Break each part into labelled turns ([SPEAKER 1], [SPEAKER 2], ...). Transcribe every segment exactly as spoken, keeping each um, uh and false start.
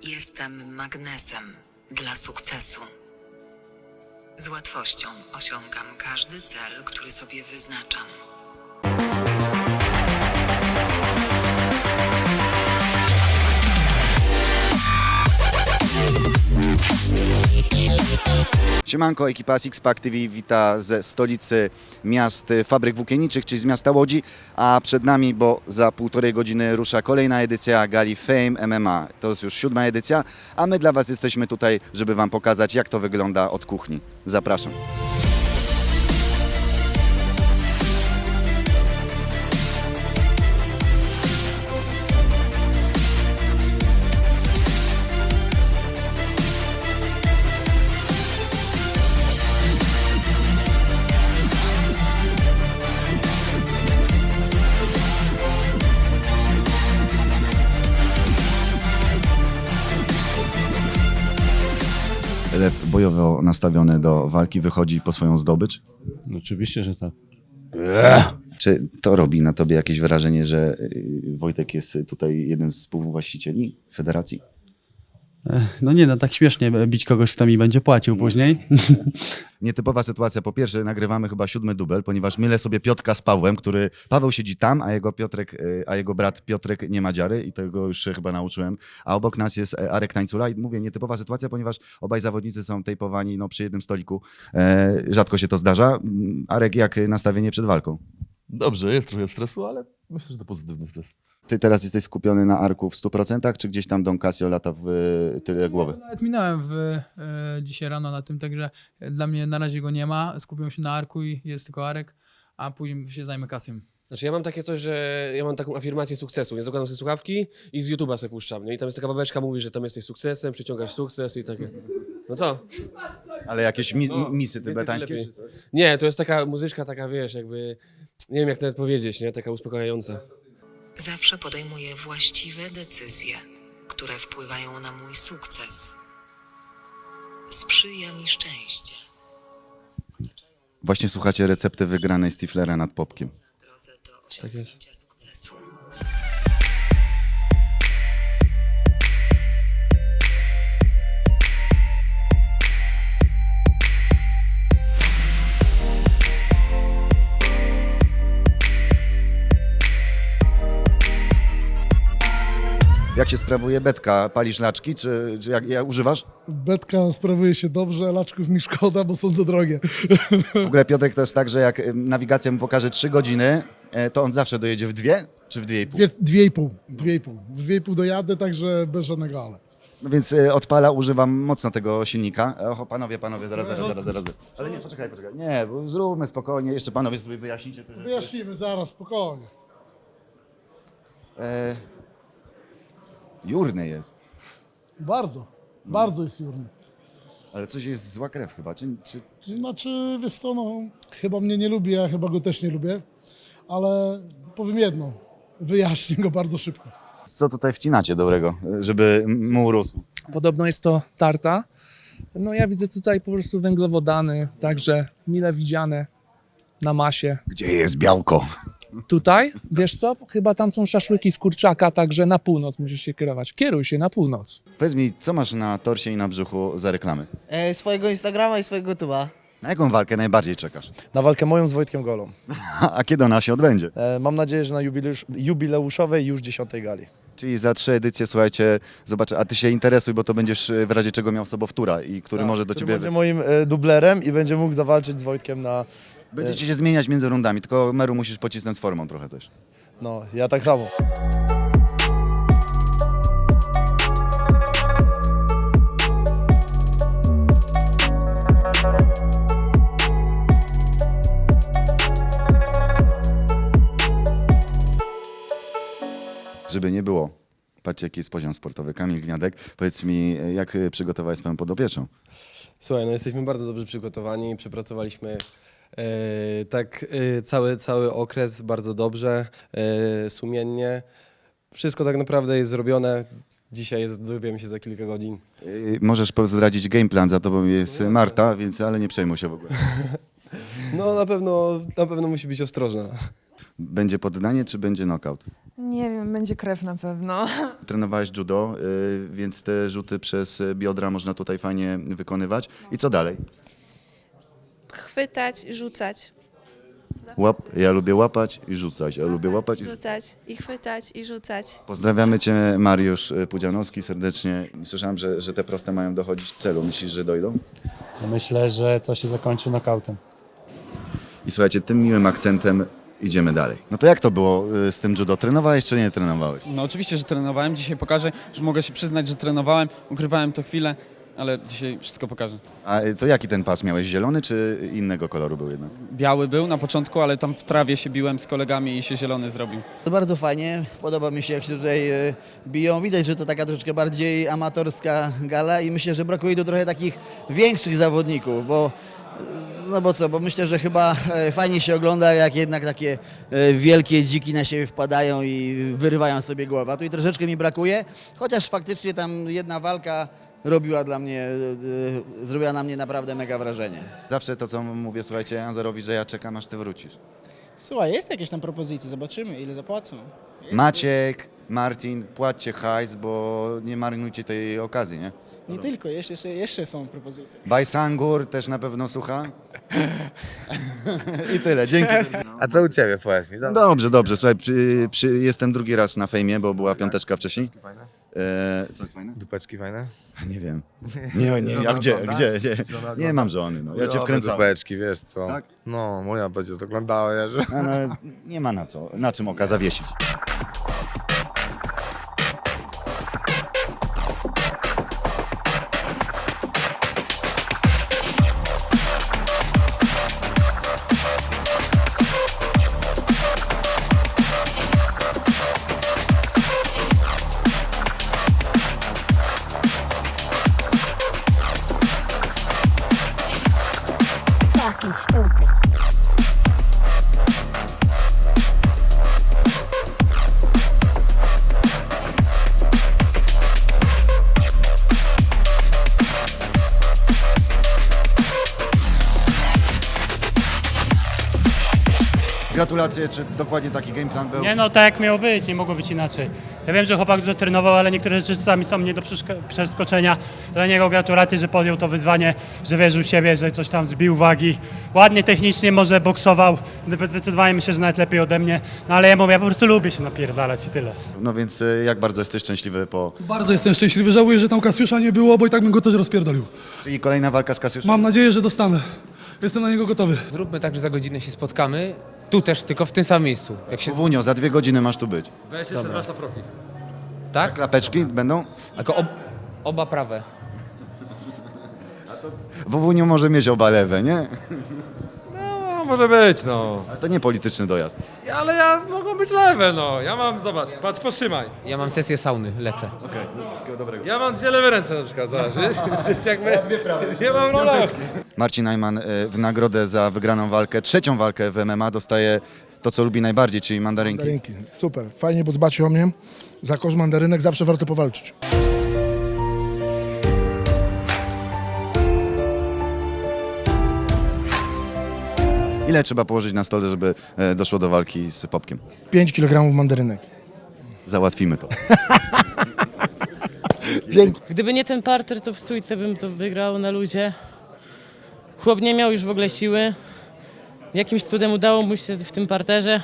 [SPEAKER 1] Jestem magnesem dla sukcesu. Z łatwością osiągam każdy cel, który sobie wyznaczam.
[SPEAKER 2] Siemanko, ekipa Sixpack T V wita ze stolicy miast fabryk włókienniczych, czyli z miasta Łodzi, a przed nami, bo za półtorej godziny rusza kolejna edycja gali Fame M M A. To jest już siódma edycja, a my dla Was jesteśmy tutaj, żeby Wam pokazać, jak to wygląda od kuchni. Zapraszam. Lew bojowo nastawiony do walki wychodzi po swoją zdobycz.
[SPEAKER 3] Oczywiście, że tak.
[SPEAKER 2] Czy to robi na Tobie jakieś wrażenie, że y, Wojtek jest tutaj jednym z współwłaścicieli federacji?
[SPEAKER 3] No nie, no tak śmiesznie bić kogoś, kto mi będzie płacił później.
[SPEAKER 2] Nietypowa sytuacja. Po pierwsze, nagrywamy chyba siódmy dubel, ponieważ mylę sobie Piotrka z Pawłem, który... Paweł siedzi tam, a jego Piotrek, y, a jego brat Piotrek nie ma dziary i tego już się chyba nauczyłem. A obok nas jest e, Arek Tańcula i mówię, nietypowa sytuacja, ponieważ obaj zawodnicy są tejpowani no, przy jednym stoliku. E, rzadko się to zdarza. Mm, Arek, jak nastawienie przed walką?
[SPEAKER 4] Dobrze, jest trochę stresu, ale myślę, że to pozytywny stres.
[SPEAKER 2] Ty teraz jesteś skupiony na Arku w stu procentach, czy gdzieś tam Don Casio lata w y, tyle głowy?
[SPEAKER 5] Nawet minąłem w, e, dzisiaj rano na tym, także dla mnie na razie go nie ma. Skupiłem się na Arku i jest tylko Arek, a później się zajmę Kasiem.
[SPEAKER 6] Znaczy ja mam takie coś, że ja mam taką afirmację sukcesu. Ja zakładam sobie słuchawki i z YouTube'a sobie puszczam. Nie? I tam jest taka babeczka, mówi, że tam jesteś sukcesem, przyciągasz sukces i takie. No co?
[SPEAKER 2] Ale jakieś mi
[SPEAKER 6] No,
[SPEAKER 2] misy
[SPEAKER 6] więcej
[SPEAKER 2] tybetańskie?
[SPEAKER 6] lepiej.
[SPEAKER 2] Czy coś?
[SPEAKER 6] Nie, to jest taka muzyczka, taka wiesz, jakby, nie wiem jak to nawet powiedzieć, nie? Taka uspokajająca.
[SPEAKER 1] Zawsze podejmuję właściwe decyzje, które wpływają na mój sukces. Sprzyja mi szczęście.
[SPEAKER 2] Właśnie słuchacie recepty wygranej Stiflera nad Popkiem.
[SPEAKER 1] Na drodze do osiągnięcia sukcesu.
[SPEAKER 2] Jak się sprawuje betka? Palisz laczki, czy, czy jak, jak używasz?
[SPEAKER 7] Betka sprawuje się dobrze, laczków mi szkoda, bo są za drogie.
[SPEAKER 2] W ogóle Piotrek to jest tak, że jak y, nawigacja mu pokaże trzy godziny, e, to on zawsze dojedzie w dwie, czy w dwie i pół?
[SPEAKER 7] Dwie, dwie i pół, dwie i pół. W dwie i pół dojadę, także bez żadnego ale.
[SPEAKER 2] No więc y, odpala, używam mocno tego silnika. E, Oho, panowie, panowie, zaraz, zaraz, zaraz, zaraz. Ale nie, poczekaj, poczekaj. Nie, bo zróbmy spokojnie, jeszcze panowie sobie wyjaśnicie. te rzeczy.
[SPEAKER 7] Wyjaśnimy zaraz, spokojnie.
[SPEAKER 2] E, jurny jest,
[SPEAKER 7] Bardzo, bardzo jest jurny.
[SPEAKER 2] ale coś jest zła krew chyba, czy... czy, czy...
[SPEAKER 7] Znaczy, wiesz co, no, chyba mnie nie lubi, ja chyba go też nie lubię, ale powiem jedno, wyjaśnię go bardzo szybko.
[SPEAKER 2] Co tutaj wcinacie dobrego, żeby mu urósł?
[SPEAKER 8] Podobno jest to tarta. No ja widzę tutaj po prostu węglowodany, także mile widziane na masie.
[SPEAKER 2] Gdzie jest białko?
[SPEAKER 8] Tutaj, wiesz co, chyba tam są szaszłyki z kurczaka, także na północ musisz się kierować. Kieruj się na północ.
[SPEAKER 2] Powiedz mi, co masz na torsie i na brzuchu za reklamy?
[SPEAKER 9] E, swojego Instagrama i swojego YouTube'a.
[SPEAKER 2] Na jaką walkę najbardziej czekasz?
[SPEAKER 10] Na walkę moją z Wojtkiem Golą.
[SPEAKER 2] A kiedy ona się odbędzie?
[SPEAKER 10] E, mam nadzieję, że na jubileusz, jubileuszowej już dziesiątej gali.
[SPEAKER 2] Czyli za trzy edycje, słuchajcie, zobaczę, a ty się interesuj, bo to będziesz e, w razie czego miał sobowtóra i który
[SPEAKER 10] Tak,
[SPEAKER 2] może do
[SPEAKER 10] który
[SPEAKER 2] ciebie...
[SPEAKER 10] będzie moim e, dublerem i będzie mógł zawalczyć z Wojtkiem na...
[SPEAKER 2] Będziecie się zmieniać między rundami, tylko Meru musisz pocisnąć z formą trochę też.
[SPEAKER 10] No, ja tak samo.
[SPEAKER 2] Żeby nie było. Patrzcie, jaki jest poziom sportowy. Kamil Gniadek, powiedz mi, jak e, przygotowałeś swoją podopieczną?
[SPEAKER 11] Słuchaj, no jesteśmy bardzo dobrze przygotowani, przepracowaliśmy e, tak e, cały, cały okres bardzo dobrze, e, sumiennie. Wszystko tak naprawdę jest zrobione. Dzisiaj jest, dowiemy się za kilka godzin.
[SPEAKER 2] E, możesz zdradzić game plan, za tobą jest Marta, więc ale nie przejmuj się w ogóle.
[SPEAKER 11] No na pewno, na pewno musi być ostrożna.
[SPEAKER 2] Będzie poddanie, czy będzie knockout?
[SPEAKER 12] Nie wiem, będzie krew na pewno.
[SPEAKER 2] Trenowałeś judo, y, więc te rzuty przez biodra można tutaj fajnie wykonywać. I co dalej?
[SPEAKER 12] Chwytać, rzucać.
[SPEAKER 2] Łap, ja lubię łapać i rzucać. Ja lubię łapać i
[SPEAKER 12] Rzucać i chwytać i rzucać.
[SPEAKER 2] Pozdrawiamy Cię, Mariusz Pudzianowski, serdecznie. Słyszałem, że, że te proste mają dochodzić celu. Myślisz, że dojdą?
[SPEAKER 3] Myślę, że to się zakończy knockoutem.
[SPEAKER 2] I słuchajcie, tym miłym akcentem idziemy dalej. No to jak to było y, z tym judo? Trenowałeś czy nie trenowałeś?
[SPEAKER 13] No oczywiście, że trenowałem. Dzisiaj pokażę, że mogę się przyznać, że trenowałem. Ukrywałem to chwilę, ale dzisiaj wszystko pokażę.
[SPEAKER 2] A y, to jaki ten pas miałeś? Zielony czy innego koloru był jednak?
[SPEAKER 13] Biały był na początku, ale tam w trawie się biłem z kolegami i się zielony zrobił.
[SPEAKER 9] To bardzo fajnie, podoba mi się jak się tutaj e, biją. Widać, że to taka troszeczkę bardziej amatorska gala i myślę, że brakuje tu trochę takich większych zawodników, bo e, no bo co, bo myślę, że chyba e, fajnie się ogląda, jak jednak takie e, wielkie dziki na siebie wpadają i wyrywają sobie głowę. A tu i troszeczkę mi brakuje, chociaż faktycznie tam jedna walka robiła dla mnie, e, e, zrobiła na mnie naprawdę mega wrażenie.
[SPEAKER 2] Zawsze to, co mówię, słuchajcie, Anzarowi, że ja czekam, aż Ty wrócisz.
[SPEAKER 14] Słuchaj, jest jakieś tam propozycje, zobaczymy ile zapłacą.
[SPEAKER 2] Maciek, Marcin, płaccie hajs, bo nie marnujcie tej okazji, nie?
[SPEAKER 14] Nie tylko, jeszcze, jeszcze, jeszcze są propozycje.
[SPEAKER 2] Bajsangur też na pewno słucha. I tyle, dzięki.
[SPEAKER 4] A co u Ciebie, powiedz mi?
[SPEAKER 2] Dobrze, dobrze, słuchaj, przy, przy, jestem drugi raz na fejmie, bo była piąteczka wcześniej.
[SPEAKER 4] Fajne?
[SPEAKER 2] E, co jest fajne?
[SPEAKER 4] Dupeczki fajne?
[SPEAKER 2] Nie wiem. Nie, nie, a gdzie, gdzie, gdzie? Nie mam żony, no. Ja cię wkręcam.
[SPEAKER 4] Dupeczki, wiesz co?
[SPEAKER 2] Tak?
[SPEAKER 4] No, moja będzie to oglądała, ja, że...
[SPEAKER 2] No, no, nie ma na co, na czym oka zawiesić.
[SPEAKER 12] Fucking stupid.
[SPEAKER 2] Gratulacje, czy dokładnie taki game plan był?
[SPEAKER 3] Nie no, tak jak miało być, nie mogło być inaczej. Ja wiem, że chłopak dużo trenował, ale niektóre rzeczy sami są nie do przeszko- przeskoczenia. Dla niego gratulacje, że podjął to wyzwanie, że wierzył w siebie, że coś tam zbił wagi. Ładnie technicznie może boksował, zdecydowanie myślę, że nawet lepiej ode mnie. No ale ja mówię, ja po prostu lubię się napierdalać i tyle.
[SPEAKER 2] No więc y, jak bardzo jesteś szczęśliwy po...
[SPEAKER 7] Bardzo jestem szczęśliwy, żałuję, że tam Kasiusza nie było, bo i tak bym go też rozpierdolił.
[SPEAKER 2] Czyli kolejna walka z Kasiuszem?
[SPEAKER 7] Mam nadzieję, że dostanę. Jestem na niego gotowy.
[SPEAKER 6] Zróbmy tak, że za godzinę się spotkamy. Tu też, tylko w tym samym miejscu. Jak się...
[SPEAKER 2] Wunio, za dwie godziny masz tu być.
[SPEAKER 6] Weź jeszcze dwa szlafroki.
[SPEAKER 2] Tak? Klapeczki będą?
[SPEAKER 6] Tylko ob... oba prawe.
[SPEAKER 2] Wunio może mieć oba lewe, nie?
[SPEAKER 6] No, może być, no.
[SPEAKER 2] Ale to nie polityczny dojazd.
[SPEAKER 6] Ale ja mogą być lewe, no. Ja mam, zobacz, patrz, potrzymaj. Ja mam sesję sauny, lecę.
[SPEAKER 2] Okej, wszystkiego dobrego.
[SPEAKER 6] Ja mam dwie lewe ręce na przykład, zobacz, wiesz? To jest jakby... Dwie prawe. Nie mam rola.
[SPEAKER 2] Marcin Najman y, w nagrodę za wygraną walkę, trzecią walkę w M M A dostaje to, co lubi najbardziej, czyli mandarynki.
[SPEAKER 7] Mandarynki, super, fajnie, bo dbacie o mnie. Za kosz mandarynek zawsze warto powalczyć.
[SPEAKER 2] Ile trzeba położyć na stole, żeby e, doszło do walki z Popkiem?
[SPEAKER 7] pięć kilogramów mandarynek.
[SPEAKER 2] Załatwimy to.
[SPEAKER 7] Dzięki.
[SPEAKER 12] Gdyby nie ten parter, to w stójce bym to wygrał na luzie. Chłop nie miał już w ogóle siły. Jakimś cudem udało mu się w tym parterze.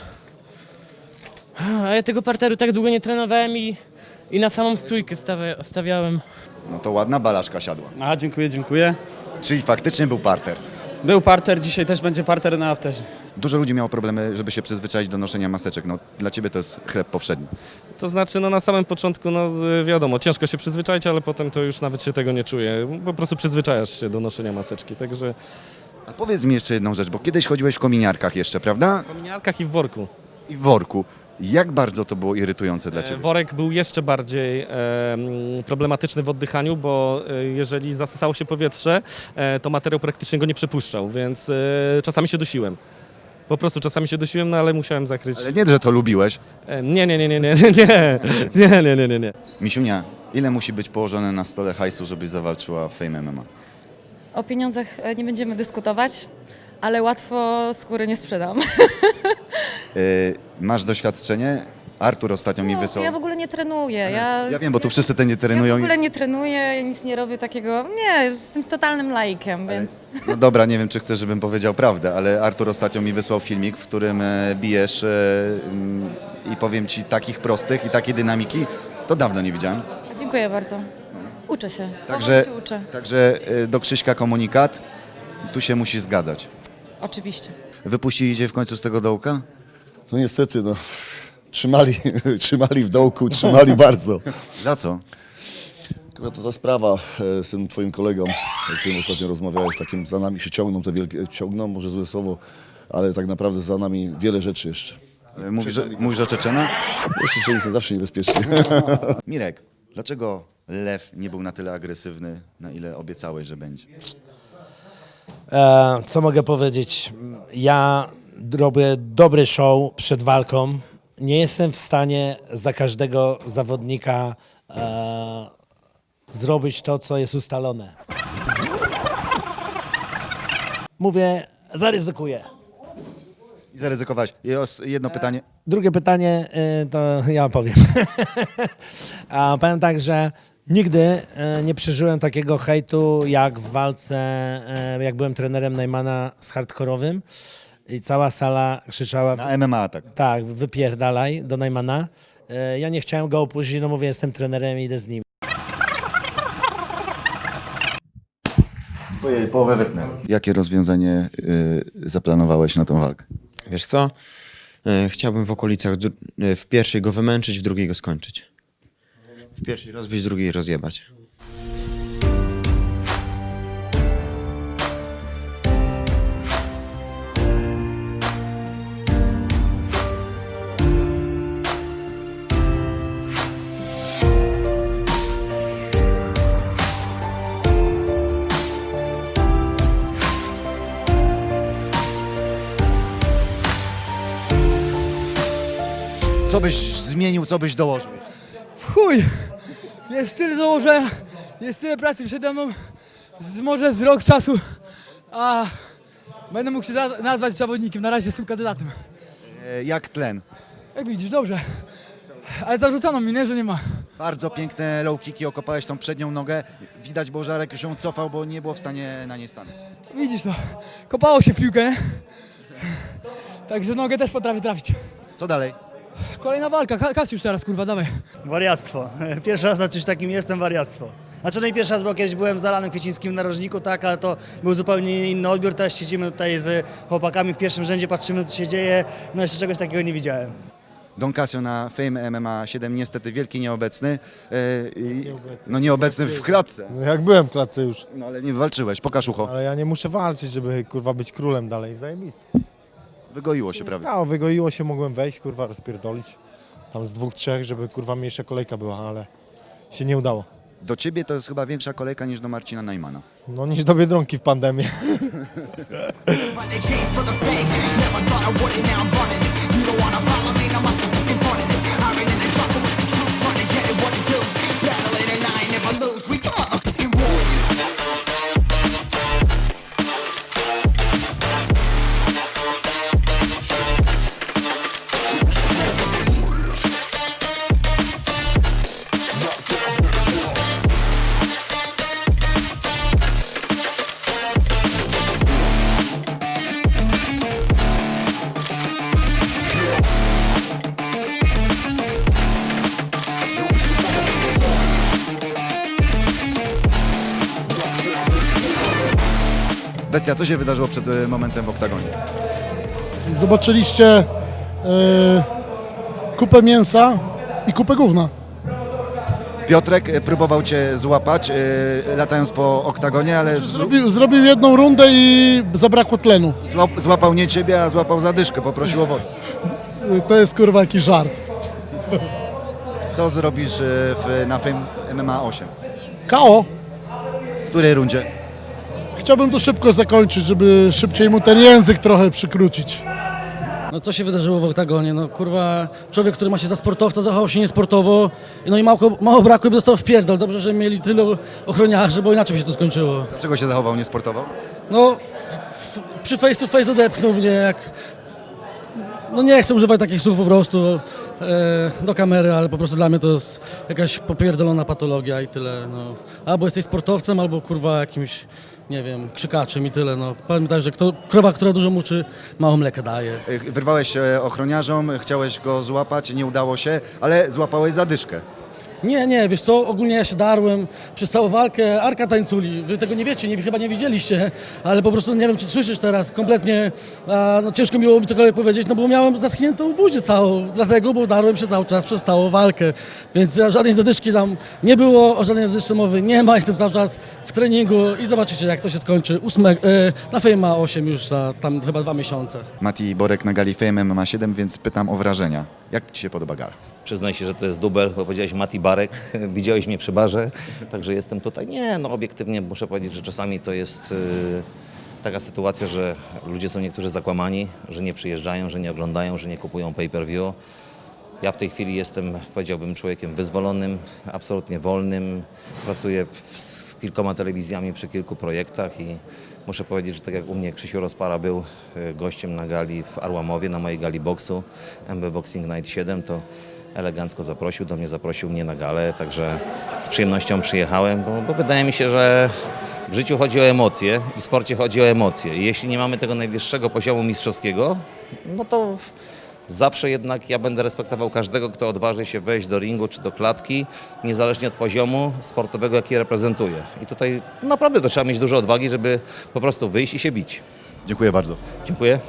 [SPEAKER 12] A ja tego parteru tak długo nie trenowałem i, i na samą stójkę stawia, stawiałem.
[SPEAKER 2] No to ładna balaszka siadła.
[SPEAKER 3] A, dziękuję, dziękuję.
[SPEAKER 2] Czyli faktycznie był parter.
[SPEAKER 3] Był parter, dzisiaj też będzie parter na afterze.
[SPEAKER 2] Dużo ludzi miało problemy, żeby się przyzwyczaić do noszenia maseczek. No, dla ciebie to jest chleb powszedni.
[SPEAKER 6] To znaczy, no na samym początku, no wiadomo, ciężko się przyzwyczaić, ale potem to już nawet się tego nie czuje. Po prostu przyzwyczajasz się do noszenia maseczki, także...
[SPEAKER 2] A powiedz mi jeszcze jedną rzecz, bo kiedyś chodziłeś w kominiarkach jeszcze, prawda?
[SPEAKER 6] W kominiarkach i w worku.
[SPEAKER 2] I w worku. Jak bardzo to było irytujące dla
[SPEAKER 6] E,
[SPEAKER 2] ciebie?
[SPEAKER 6] Worek był jeszcze bardziej e, mm, problematyczny w oddychaniu, bo e, jeżeli zasysało się powietrze, e, to materiał praktycznie go nie przepuszczał, więc e, czasami się dusiłem. Po prostu czasami się dusiłem, no ale musiałem zakryć.
[SPEAKER 2] Ale nie, że to lubiłeś.
[SPEAKER 6] E, nie, nie, nie, nie, nie, nie, nie, nie, nie, nie, nie.
[SPEAKER 2] Misiunia, ile musi być położone na stole hajsu, żebyś zawalczyła w Fame M M A?
[SPEAKER 12] O pieniądzach nie będziemy dyskutować, ale łatwo skóry nie sprzedam.
[SPEAKER 2] Yy, masz doświadczenie Artur ostatnio mi
[SPEAKER 15] No,
[SPEAKER 2] wysłał.
[SPEAKER 15] ja w ogóle nie trenuję. Ja,
[SPEAKER 2] Ja wiem, bo tu wszyscy te nie
[SPEAKER 15] ja w
[SPEAKER 2] trenują. i-
[SPEAKER 15] ogóle nie trenuję, ja nic nie robię takiego. Nie, jestem totalnym laikiem, więc.
[SPEAKER 2] No dobra, nie wiem, czy chcesz, żebym powiedział prawdę, ale Artur ostatnio mi wysłał filmik, w którym e, bijesz e, mm, i powiem ci takich prostych i takiej dynamiki, to dawno nie widziałem.
[SPEAKER 15] Dziękuję bardzo. Uczę się.
[SPEAKER 2] Także,
[SPEAKER 15] Powoli się uczę.
[SPEAKER 2] także e, do Krzyśka komunikat, tu się musi zgadzać.
[SPEAKER 15] Oczywiście.
[SPEAKER 2] Wypuścili cię w końcu z tego dołka?
[SPEAKER 4] No niestety, no. Trzymali, trzymali w dołku, trzymali bardzo.
[SPEAKER 2] Za co?
[SPEAKER 4] Akurat to ta sprawa e, z tym twoim kolegą, o którym ostatnio rozmawiałeś, takim za nami się ciągną te wielkie, ciągną, może złe słowo, ale tak naprawdę za nami wiele rzeczy jeszcze.
[SPEAKER 2] E, Mówisz, że- mówisz o Czeczena?
[SPEAKER 4] Jeszcze Czeczeni są zawsze niebezpieczni.
[SPEAKER 2] Mirek, dlaczego Lew nie był na tyle agresywny, na ile obiecałeś, że będzie?
[SPEAKER 16] E, co mogę powiedzieć? Ja robię dobry show przed walką. Nie jestem w stanie za każdego zawodnika e, zrobić to, co jest ustalone. Mówię, zaryzykuję.
[SPEAKER 2] I zaryzykowałeś. I os- jedno pytanie.
[SPEAKER 16] Drugie pytanie y, to ja powiem. A powiem tak, że nigdy y, nie przeżyłem takiego hejtu jak w walce, y, jak byłem trenerem Najmana z hardkorowym i cała sala krzyczała...
[SPEAKER 2] Na M M A tak.
[SPEAKER 16] Tak, wypierdalaj do Najmana. Y, ja nie chciałem go opuścić, no mówię, jestem trenerem i idę z nim.
[SPEAKER 2] Ojej, połowę wytnę. Jakie rozwiązanie y, zaplanowałeś na tą walkę?
[SPEAKER 17] Wiesz co? E, Chciałbym w okolicach, dru- e, w pierwszej go wymęczyć, w drugiej go skończyć. W pierwszej rozbić, w drugiej rozjebać.
[SPEAKER 2] Co byś zmienił, co byś dołożył?
[SPEAKER 5] Chuj! Jest tyle dołożenia, jest tyle pracy przede mną, z- może z rok czasu, a będę mógł się za- nazwać zawodnikiem. Na razie jestem kandydatem.
[SPEAKER 2] E, jak tlen?
[SPEAKER 5] Jak widzisz, dobrze. Ale zarzucano mi, nie, że nie ma.
[SPEAKER 2] Bardzo piękne low kicki, okopałeś tą przednią nogę. Widać, bo Żarek już ją cofał, bo nie było w stanie na niej stanąć.
[SPEAKER 5] Widzisz to, kopało się w piłkę, nie? Także nogę też potrafię trafić.
[SPEAKER 2] Co dalej?
[SPEAKER 5] Kolejna walka, Ka- Kasiusz teraz, kurwa, dawaj.
[SPEAKER 14] Wariactwo. Pierwszy raz na czymś takim jestem, wariactwo. Znaczy, no i pierwszy raz, bo kiedyś byłem z Alanem Kwiecińskim w narożniku, tak, ale to był zupełnie inny odbiór. Teraz siedzimy tutaj z chłopakami w pierwszym rzędzie, patrzymy, co się dzieje. No jeszcze czegoś takiego nie widziałem.
[SPEAKER 2] Don Casio na Fame M M A siedem, niestety wielki nieobecny. E, i, no nieobecny w klatce.
[SPEAKER 18] No jak byłem w klatce już.
[SPEAKER 2] No ale nie walczyłeś, pokaż ucho.
[SPEAKER 18] Ale ja nie muszę walczyć, żeby kurwa być królem dalej. Zajebiste.
[SPEAKER 2] Wygoiło się prawie.
[SPEAKER 18] No, wygoiło się, mogłem wejść, kurwa, rozpierdolić. Tam z dwóch, trzech, żeby kurwa mniejsza kolejka była, ale się nie udało.
[SPEAKER 2] Do ciebie to jest chyba większa kolejka niż do Marcina Najmana.
[SPEAKER 18] No niż do Biedronki w pandemię.
[SPEAKER 2] Bestia, co się wydarzyło przed e, momentem w oktagonie?
[SPEAKER 7] Zobaczyliście e, kupę mięsa i kupę gówna.
[SPEAKER 2] Piotrek e, próbował cię złapać, e, latając po oktagonie, ale z,
[SPEAKER 7] Zrobił, zrobił jedną rundę i zabrakło tlenu.
[SPEAKER 2] złap, złapał nie ciebie, a złapał zadyszkę, poprosił o wodę.
[SPEAKER 7] To jest kurwa jakiś żart.
[SPEAKER 2] Co zrobisz e, w, na Fame M M A osiem?
[SPEAKER 7] K O.
[SPEAKER 2] W której rundzie?
[SPEAKER 7] Chciałbym to szybko zakończyć, żeby szybciej mu ten język trochę przykrócić.
[SPEAKER 19] No co się wydarzyło w oktagonie? No kurwa, człowiek, który ma się za sportowca, zachował się niesportowo. No i mało, mało brakło, by dostał w pierdol. Dobrze, że mieli tylu ochroniarzy, bo inaczej by się to skończyło.
[SPEAKER 2] Dlaczego się zachował niesportowo?
[SPEAKER 19] No, w, przy face to face odepchnął mnie jak... No nie chcę używać takich słów po prostu. e, do kamery, ale po prostu dla mnie to jest jakaś popierdolona patologia i tyle. No. Albo jesteś sportowcem, albo kurwa jakimś, nie wiem, krzykaczem i tyle. No. Powiem tak, że kto, krowa, która dużo muczy, mało mleka daje.
[SPEAKER 2] Wyrwałeś się ochroniarzom, chciałeś go złapać, nie udało się, ale złapałeś zadyszkę.
[SPEAKER 19] Nie, nie, wiesz co, ogólnie ja się darłem przez całą walkę, Arka tańculi, wy tego nie wiecie, nie, chyba nie widzieliście, ale po prostu nie wiem, czy słyszysz teraz, kompletnie, a, no ciężko mi było mi cokolwiek powiedzieć, no bo miałem zaschniętą buzię całą, dlatego, bo darłem się cały czas przez całą walkę, więc ja żadnej zadyszki tam nie było, o żadnej zadyszce mowy nie ma, jestem cały czas w treningu i zobaczycie, jak to się skończy, Ósme, e, na Fame ma osiem już za tam chyba dwa miesiące.
[SPEAKER 2] Mati Borek na gali Fame M M A siedem, więc pytam o wrażenia. Jak Ci się podoba gala?
[SPEAKER 20] Przyznaj się, że to jest dubel, bo powiedziałeś Mati Barek, widziałeś mnie przy barze, także jestem tutaj. Nie, no obiektywnie muszę powiedzieć, że czasami to jest yy, taka sytuacja, że ludzie są niektórzy zakłamani, że nie przyjeżdżają, że nie oglądają, że nie kupują pay-per-view. Ja w tej chwili jestem, powiedziałbym, człowiekiem wyzwolonym, absolutnie wolnym. Pracuję w, z kilkoma telewizjami przy kilku projektach i muszę powiedzieć, że tak jak u mnie Krzysiu Rozpara był y, gościem na gali w Arłamowie, na mojej gali boksu, M B Boxing Night siedem, to elegancko zaprosił, do mnie zaprosił mnie na galę, także z przyjemnością przyjechałem, bo, bo wydaje mi się, że w życiu chodzi o emocje i w sporcie chodzi o emocje. I jeśli nie mamy tego najwyższego poziomu mistrzowskiego, no to w, zawsze jednak ja będę respektował każdego, kto odważy się wejść do ringu czy do klatki, niezależnie od poziomu sportowego, jaki reprezentuje. I tutaj naprawdę to trzeba mieć dużo odwagi, żeby po prostu wyjść i się bić.
[SPEAKER 2] Dziękuję bardzo.
[SPEAKER 20] Dziękuję.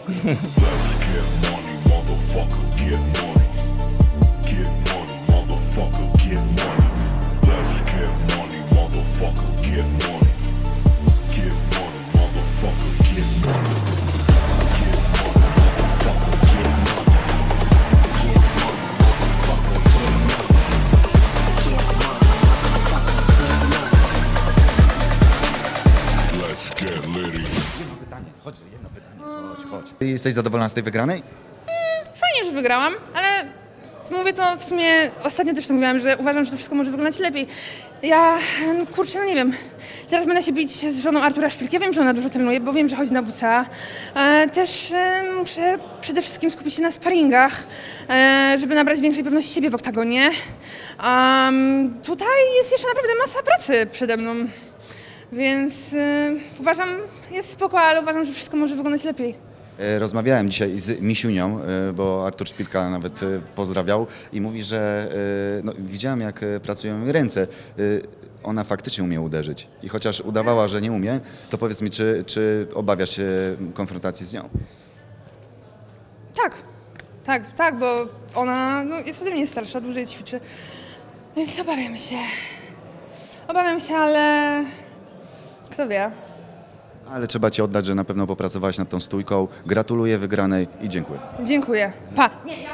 [SPEAKER 2] Chodź, jedno pytanie. Chodź, chodź. Ty jesteś zadowolona z tej wygranej?
[SPEAKER 15] Fajnie, że wygrałam, ale mówię to w sumie, ostatnio też to mówiłam, że uważam, że to wszystko może wyglądać lepiej. Ja, no kurczę, no nie wiem, teraz będę się bić z żoną Artura Szpilki, ja wiem, że ona dużo trenuje, bo wiem, że chodzi na W C A. E, też e, muszę przede wszystkim skupić się na sparingach, e, żeby nabrać większej pewności siebie w oktagonie. Um, tutaj jest jeszcze naprawdę masa pracy przede mną, więc e, uważam, jest spoko, ale uważam, że wszystko może wyglądać lepiej.
[SPEAKER 2] Rozmawiałem dzisiaj z Misiunią, bo Artur Szpilka nawet pozdrawiał i mówi, że no, widziałem, jak pracują jej ręce. Ona faktycznie umie uderzyć i chociaż udawała, że nie umie, to powiedz mi, czy, czy obawiasz się konfrontacji z nią?
[SPEAKER 15] Tak, tak, tak, bo ona no, jest ode mnie starsza, dłużej ćwiczy, więc obawiam się. Obawiam się, ale kto wie.
[SPEAKER 2] Ale trzeba Ci oddać, że na pewno popracowałaś nad tą stójką. Gratuluję wygranej i dziękuję.
[SPEAKER 15] Dziękuję. Pa.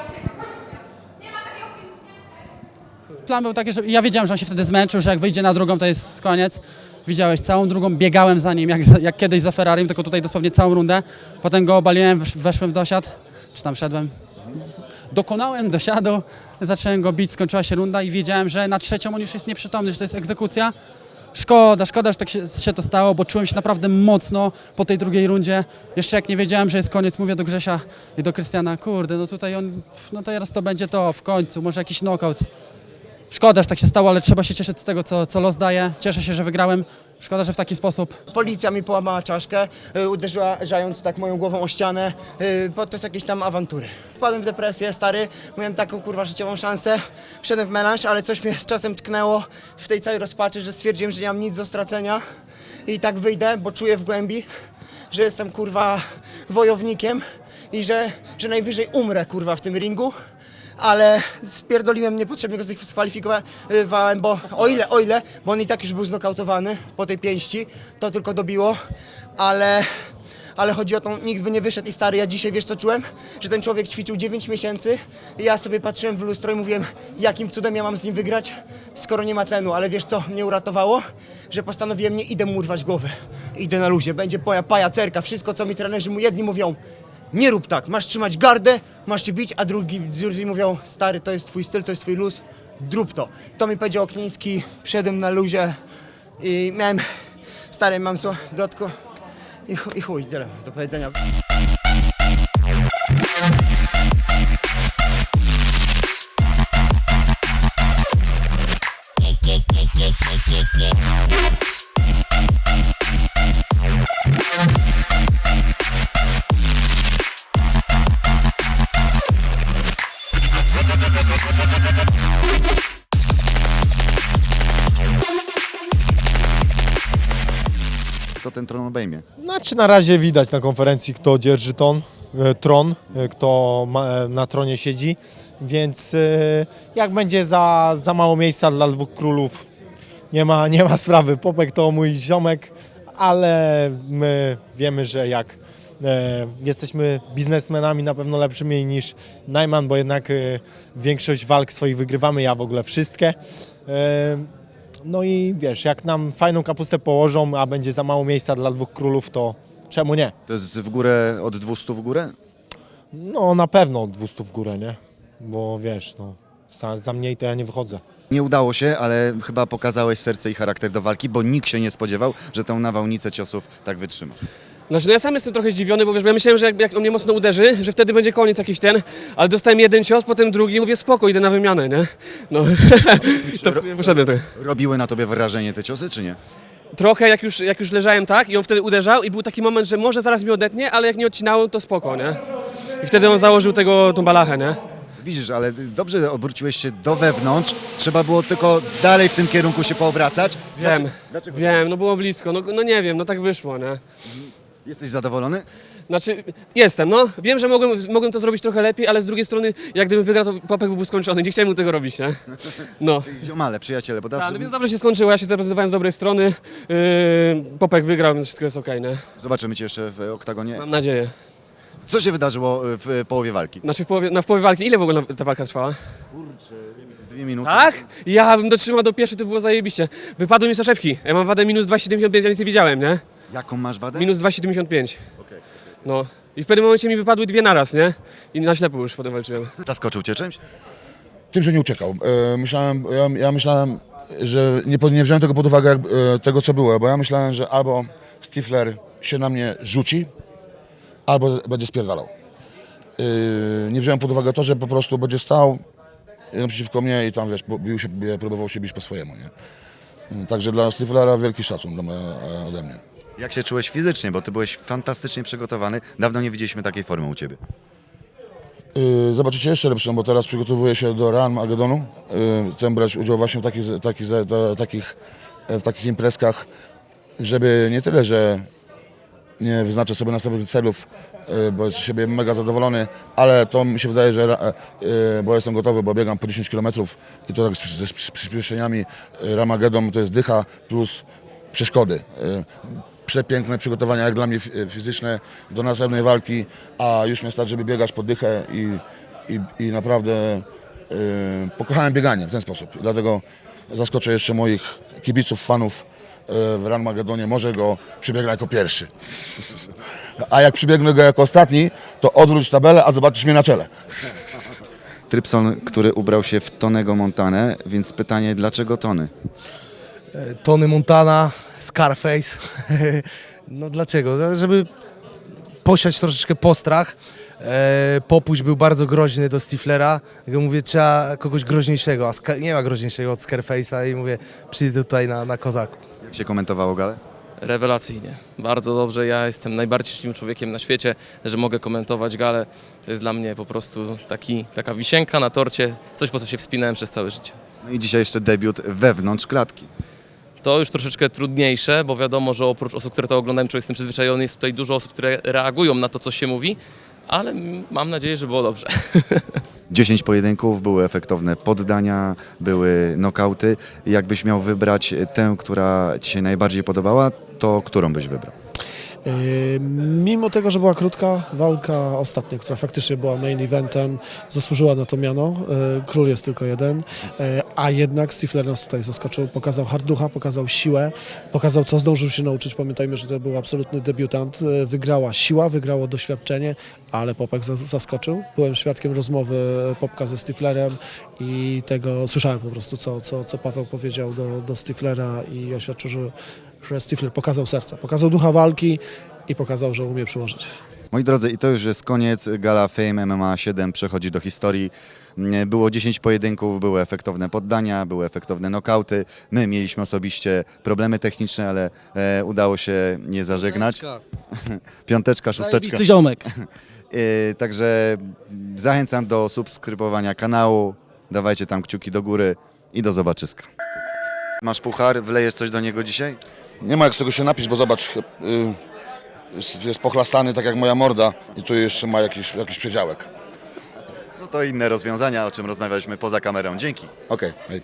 [SPEAKER 13] Plan był taki, że ja wiedziałem, że on się wtedy zmęczył, że jak wyjdzie na drugą, to jest koniec. Widziałeś całą drugą, biegałem za nim, jak, jak kiedyś za Ferrarim, tylko tutaj dosłownie całą rundę. Potem go obaliłem, wesz- weszłem w dosiad, czy tam szedłem. Dokonałem dosiadu, zacząłem go bić, skończyła się runda i wiedziałem, że na trzecią on już jest nieprzytomny, że to jest egzekucja. Szkoda, szkoda, że tak się, się to stało, bo czułem się naprawdę mocno po tej drugiej rundzie. Jeszcze jak nie wiedziałem, że jest koniec, mówię do Grzesia i do Krystiana, kurde, no tutaj on, no teraz to będzie to w końcu, może jakiś knockout. Szkoda, że tak się stało, ale trzeba się cieszyć z tego, co, co los daje. Cieszę się, że wygrałem. Szkoda, że w taki sposób.
[SPEAKER 21] Policja mi połamała czaszkę, y, uderzyła żając tak moją głową o ścianę y, podczas jakiejś tam awantury. Wpadłem w depresję, stary, miałem taką kurwa życiową szansę, wszedłem w melanż, ale coś mnie z czasem tknęło w tej całej rozpaczy, że stwierdziłem, że nie mam nic do stracenia i tak wyjdę, bo czuję w głębi, że jestem kurwa wojownikiem i że, że najwyżej umrę kurwa w tym ringu. Ale spierdoliłem, niepotrzebnie go zdyskwalifikowałem, bo o ile, o ile, bo on i tak już był znokautowany po tej pięści, to tylko dobiło, ale, ale chodzi o to, nikt by nie wyszedł i stary, ja dzisiaj wiesz co czułem? Że ten człowiek ćwiczył dziewięć miesięcy i ja sobie patrzyłem w lustro i mówiłem, jakim cudem ja mam z nim wygrać, skoro nie ma tlenu, ale wiesz co mnie uratowało? Że postanowiłem, nie idę mu urwać głowy, idę na luzie, będzie poja, pajacerka, wszystko co mi trenerzy mu jedni mówią, nie rób tak, masz trzymać gardę, masz się bić, a drugi, drugi mówią, stary, to jest twój styl, to jest twój luz, drób to. To mi powiedział Okniński, wszedłem na luzie i miałem, stary, mam co, dotko i, chu- i chuj, tyle do powiedzenia.
[SPEAKER 2] kto ten tron obejmie.
[SPEAKER 18] Znaczy na razie widać na konferencji, kto dzierży ton, e, tron, e, kto ma, e, na tronie siedzi, więc e, jak będzie za, za mało miejsca dla dwóch królów, nie ma, nie ma sprawy. Popek to mój ziomek, ale my wiemy, że jak e, jesteśmy biznesmenami na pewno lepszymi niż Najman, bo jednak e, większość walk swoich wygrywamy, ja w ogóle wszystkie. E, No i wiesz, jak nam fajną kapustę położą, a będzie za mało miejsca dla dwóch królów, to czemu nie?
[SPEAKER 2] To jest w górę, od dwieście w górę?
[SPEAKER 18] No na pewno od dwieście w górę, nie? Bo wiesz, no za, za mniej to ja nie wychodzę.
[SPEAKER 2] Nie udało się, ale chyba pokazałeś serce i charakter do walki, bo nikt się nie spodziewał, że tą nawałnicę ciosów tak wytrzyma.
[SPEAKER 1] Znaczy, no ja sam jestem trochę zdziwiony, bo wiesz, bo ja myślałem, że jak, jak on mnie mocno uderzy, że wtedy będzie koniec jakiś ten, ale dostałem jeden cios, potem drugi i mówię, spoko, idę na wymianę, nie? No, to w sumie poszedłem trochę.
[SPEAKER 2] Robiły na tobie wrażenie te ciosy, czy nie?
[SPEAKER 1] Trochę, jak już, jak już leżałem tak i on wtedy uderzał i był taki moment, że może zaraz mi odetnie, ale jak nie odcinałem, to spoko, nie? I wtedy on założył tego, tą balachę, nie?
[SPEAKER 2] Widzisz, ale dobrze obróciłeś się do wewnątrz, trzeba było tylko dalej w tym kierunku się poobracać.
[SPEAKER 1] Wiem,
[SPEAKER 2] Dlaczego?
[SPEAKER 1] wiem, no było blisko, no, no nie wiem, no tak wyszło, nie?
[SPEAKER 2] Jesteś zadowolony?
[SPEAKER 1] Znaczy, jestem, no. Wiem, że mogłem, mogłem to zrobić trochę lepiej, ale z drugiej strony, jak gdybym wygrał, to Popek byłby skończony. Nie chciałem mu tego robić, nie? No.
[SPEAKER 2] Ziomale, przyjaciele, bo
[SPEAKER 1] Tak,
[SPEAKER 2] zawsze...
[SPEAKER 1] no więc dobrze się skończyło, ja się zaprezentowałem z dobrej strony. Yy, Popek wygrał, więc wszystko jest okej, nie?
[SPEAKER 2] Zobaczymy cię jeszcze w oktagonie.
[SPEAKER 1] Mam nadzieję.
[SPEAKER 2] Co się wydarzyło w połowie walki?
[SPEAKER 1] Znaczy w połowie, no w połowie walki, ile w ogóle ta walka trwała?
[SPEAKER 2] Kurczę, dwie minuty.
[SPEAKER 1] Tak? Ja bym dotrzymał do pierwszej, to było zajebiście. Wypadły mi soczewki. Ja mam wadę minus dwa przecinek siedemdziesiąt pięć, ja nic nie widziałem, nie?
[SPEAKER 2] Jaką masz wadę?
[SPEAKER 1] Minus dwa przecinek siedemdziesiąt pięć.
[SPEAKER 2] Okej.
[SPEAKER 1] No. I w pewnym momencie mi wypadły dwie naraz, nie? I na ślepo już potem walczyłem.
[SPEAKER 2] Zaskoczył cię czymś?
[SPEAKER 22] Tym, że nie uciekał. E, myślałem, ja, ja myślałem, że nie, pod- nie wziąłem tego pod uwagę, jak, e, tego co było, bo ja myślałem, że albo Stifler się na mnie rzuci, albo będzie spierdalał. E, nie wziąłem pod uwagę to, że po prostu będzie stał naprzeciwko mnie i tam, wiesz, bo- bił się, próbował się bić po swojemu, nie? E, Także dla Stiflera wielki szacun dla mnie, e, ode mnie.
[SPEAKER 2] Jak się czułeś fizycznie, bo ty byłeś fantastycznie przygotowany. Dawno nie widzieliśmy takiej formy u ciebie.
[SPEAKER 22] Yy, Zobaczycie jeszcze lepszą, bo teraz przygotowuję się do Real Magedonu. Yy, Chcę brać udział właśnie w takich, takich, za- takich, w takich imprezkach, żeby nie tyle, że nie wyznaczę sobie następnych celów, yy, bo jestem z siebie mega zadowolony, ale to mi się wydaje, że ra- yy, bo jestem gotowy, bo biegam po dziesięć kilometrów i to tak z, z, z przyspieszeniami. Yy, Ramagedon to jest dycha plus przeszkody. Yy, Przepiękne przygotowania, jak dla mnie fi- fizyczne do następnej walki, a już mnie stać, żeby biegać po dychę i, i, i naprawdę yy, pokochałem bieganie w ten sposób. Dlatego zaskoczę jeszcze moich kibiców, fanów yy, w Ranmagedonie. Może go przybiegnę jako pierwszy. A jak przybiegnę go jako ostatni, to odwróć tabelę, a zobaczysz mnie na czele.
[SPEAKER 2] Trypson, który ubrał się w Tonego Montanę, więc pytanie, dlaczego Tony?
[SPEAKER 23] Tony Montana, Scarface. No dlaczego? No, żeby posiać troszeczkę postrach. E, Popuś był bardzo groźny do Stiflera. Jak mówię, trzeba kogoś groźniejszego, a Ska- nie ma groźniejszego od Scarface'a i mówię, przyjdę tutaj na, na kozaku.
[SPEAKER 2] Jak się komentowało galę?
[SPEAKER 6] Rewelacyjnie. Bardzo dobrze. Ja jestem najbardziej szczęśliwym człowiekiem na świecie, że mogę komentować galę. To jest dla mnie po prostu taki, taka wisienka na torcie, coś po co się wspinałem przez całe życie.
[SPEAKER 2] No i dzisiaj jeszcze debiut wewnątrz klatki.
[SPEAKER 6] To już troszeczkę trudniejsze, bo wiadomo, że oprócz osób, które to oglądają, człowiek jestem przyzwyczajony, jest tutaj dużo osób, które reagują na to, co się mówi, ale mam nadzieję, że było dobrze.
[SPEAKER 2] dziesięć pojedynków, były efektowne poddania, były nokauty. Jakbyś miał wybrać tę, która ci się najbardziej podobała, to którą byś wybrał?
[SPEAKER 24] Yy, Mimo tego, że była krótka walka ostatnia, która faktycznie była main eventem, zasłużyła na to miano. Yy, Król jest tylko jeden, yy, a jednak Stifler nas tutaj zaskoczył, pokazał harducha, pokazał siłę, pokazał co zdążył się nauczyć. Pamiętajmy, że to był absolutny debiutant. Yy, Wygrała siła, wygrało doświadczenie, ale Popek zas- zaskoczył. Byłem świadkiem rozmowy Popka ze Stiflerem i tego słyszałem po prostu, co, co, co Paweł powiedział do, do Stiflera i oświadczył, że że Stifler pokazał serce, pokazał ducha walki i pokazał, że umie przyłożyć.
[SPEAKER 2] Moi drodzy, i to już jest koniec. Gala Fame M M A siedem przechodzi do historii. Było dziesięć pojedynków, były efektowne poddania, były efektowne nokauty. My mieliśmy osobiście problemy techniczne, ale e, udało się nie zażegnać. Piąteczka, szósteczka.
[SPEAKER 19] Zajebisty ziomek.
[SPEAKER 2] E, także zachęcam do subskrybowania kanału. Dawajcie tam kciuki do góry i do zobaczyska. Masz puchar, wlejesz coś do niego dzisiaj?
[SPEAKER 22] Nie ma jak z tego się napić, bo zobacz, y, jest, jest pochlastany tak jak moja morda i tu jeszcze ma jakiś, jakiś przedziałek.
[SPEAKER 2] No to inne rozwiązania, o czym rozmawialiśmy poza kamerą. Dzięki.
[SPEAKER 22] Okej, hej.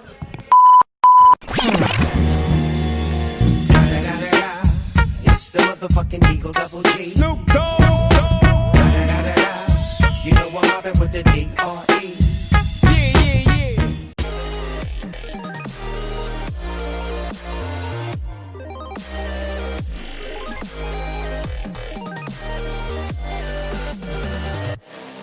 [SPEAKER 8] It's the motherfucking Eagle Double G. Snoop Dogg. You know I'm mobbing with the D R